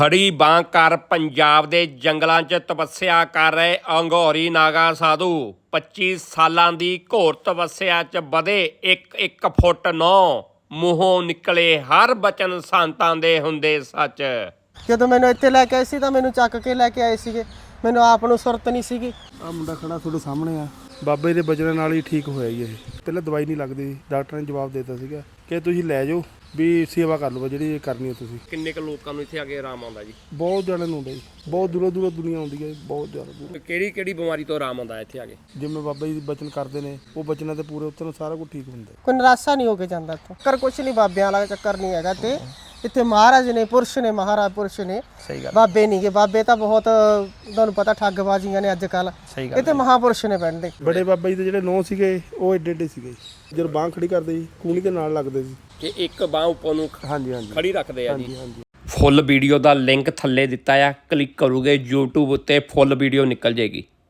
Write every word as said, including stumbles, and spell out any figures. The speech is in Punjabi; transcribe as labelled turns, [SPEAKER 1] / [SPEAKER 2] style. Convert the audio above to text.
[SPEAKER 1] ਖੜੀ ਬਾਂਹ ਕਰ ਪੰਜਾਬ ਦੇ ਜੰਗਲਾਂ 'ਚ ਤਪੱਸਿਆ ਕਰ ਰਹੇ ਅੰਗੋਰੀ ਨਾਗਾ ਸਾਧੂ ਪੱਚੀ ਸਾਲਾਂ ਦੀ ਘੋਰ ਤਪੱਸਿਆ 'ਚ ਵਧੇ ਇੱਕ ਇੱਕ ਫੁੱਟ ਨੌ ਮੂੰਹੋਂ ਨਿਕਲੇ ਹਰ ਬਚਨ ਸੰਤਾਂ ਦੇ ਹੁੰਦੇ ਸੱਚ।
[SPEAKER 2] ਜਦੋਂ ਮੈਨੂੰ ਇੱਥੇ ਲੈ ਕੇ ਆਏ ਸੀ ਤਾਂ ਮੈਨੂੰ ਚੱਕ ਕੇ ਲੈ ਕੇ ਆਏ ਸੀਗੇ, ਮੈਨੂੰ ਆਪ ਨੂੰ ਸੁਰਤ ਨਹੀਂ ਸੀਗੀ।
[SPEAKER 3] ਆ ਮੁੰਡਾ ਖੜਾ ਤੁਹਾਡੇ ਸਾਹਮਣੇ ਆ, ਬਾਬੇ ਦੇ ਬਚਨਾਂ ਨਾਲ ਹੀ ਠੀਕ ਹੋਇਆ ਜੀ। ਇਹ ਪਹਿਲਾਂ ਦਵਾਈ ਨਹੀਂ ਲੱਗਦੀ, ਡਾਕਟਰ ਨੇ ਜਵਾਬ ਦੇ ਦਿੱਤਾ ਸੀਗਾ ਕਿ ਤੁਸੀਂ ਲੈ ਜਾਓ ਵੀ ਸੇਵਾ ਕਰ ਲਓ ਜਿਹੜੀ ਕਰਨੀ ਹੈ ਤੁਸੀਂ।
[SPEAKER 1] ਕਿੰਨੇ ਕੁ ਲੋਕਾਂ ਨੂੰ ਇੱਥੇ ਆ ਕੇ ਆਰਾਮ ਆਉਂਦਾ ਜੀ?
[SPEAKER 3] ਬਹੁਤ ਜਣੇ ਨੂੰ ਆਉਂਦਾ ਜੀ, ਬਹੁਤ ਦੂਰੋਂ ਦੂਰੋਂ ਦੁਨੀਆ ਆਉਂਦੀ ਹੈ, ਬਹੁਤ ਜ਼ਿਆਦਾ ਦੂਰ।
[SPEAKER 1] ਕਿਹੜੀ ਕਿਹੜੀ ਬਿਮਾਰੀ ਤੋਂ ਆਰਾਮ ਆਉਂਦਾ ਇੱਥੇ ਆ ਕੇ?
[SPEAKER 3] ਜਿਵੇਂ ਬਾਬਾ ਜੀ ਬਚਨ ਕਰਦੇ ਨੇ ਉਹ ਬਚਨਾਂ ਤੇ ਪੂਰੇ ਉਤਰਨ ਸਾਰਾ ਕੁਝ ਠੀਕ ਹੁੰਦਾ।
[SPEAKER 2] ਕੋਈ ਨਿਰਾਸ਼ਾ ਨਹੀਂ ਹੋ ਕੇ ਜਾਂਦਾ ਇੱਥੋਂ। ਕਰ ਕੁਛ ਨਹੀਂ, ਬਾਬਿਆਂ ਵਾਲਾ ਚੱਕਰ ਨਹੀਂ ਹੈਗਾ। ਤੇ ਇੱਥੇ ਮਹਾਰਾਜ ਨੇ, ਪੁਰਸ਼ ਨੇ, ਮਹਾਰਾਜ ਪੁਰਸ਼ ਨੇ,
[SPEAKER 1] ਸਹੀ ਗੱਲ।
[SPEAKER 2] ਬਾਬੇ ਨਹੀਂ ਗੇ। ਬਾਬੇ ਤਾਂ ਬਹੁਤ ਤੁਹਾਨੂੰ ਪਤਾ ਠੱਗਬਾਜ਼ੀਆਂ ਨੇ ਅੱਜ ਕੱਲ। ਇੱਥੇ ਮਹਾਪੁਰਸ਼ ਨੇ ਬੈਠਦੇ।
[SPEAKER 3] ਬੜੇ ਬਾਬਾ ਜੀ ਦੇ ਜਿਹੜੇ ਨੌ ਸੀਗੇ ਉਹ ਏਡੇ ਏਡੇ ਸੀਗੇ, ਜਦੋਂ ਬਾਂਹ ਖੜੀ ਕਰਦੇ ਸੀ ਕੂਣੀ ਦੇ ਨਾਲ ਲੱਗਦੇ ਸੀ
[SPEAKER 1] ਕਿ ਇੱਕ ਬਾਂਹ ਉੱਪਰ ਨੂੰ
[SPEAKER 3] ਹਾਂਜੀ ਹਾਂਜੀ
[SPEAKER 1] ਖੜੀ ਰੱਖਦੇ ਆ ਜੀ।
[SPEAKER 3] ਹਾਂਜੀ ਹਾਂਜੀ।
[SPEAKER 1] ਫੁੱਲ ਵੀਡੀਓ ਦਾ ਲਿੰਕ ਥੱਲੇ ਦਿੱਤਾ ਆ, ਕਲਿੱਕ ਕਰੋਗੇ YouTube ਉੱਤੇ ਫੁੱਲ ਵੀਡੀਓ ਨਿਕਲ ਜਾਏਗੀ।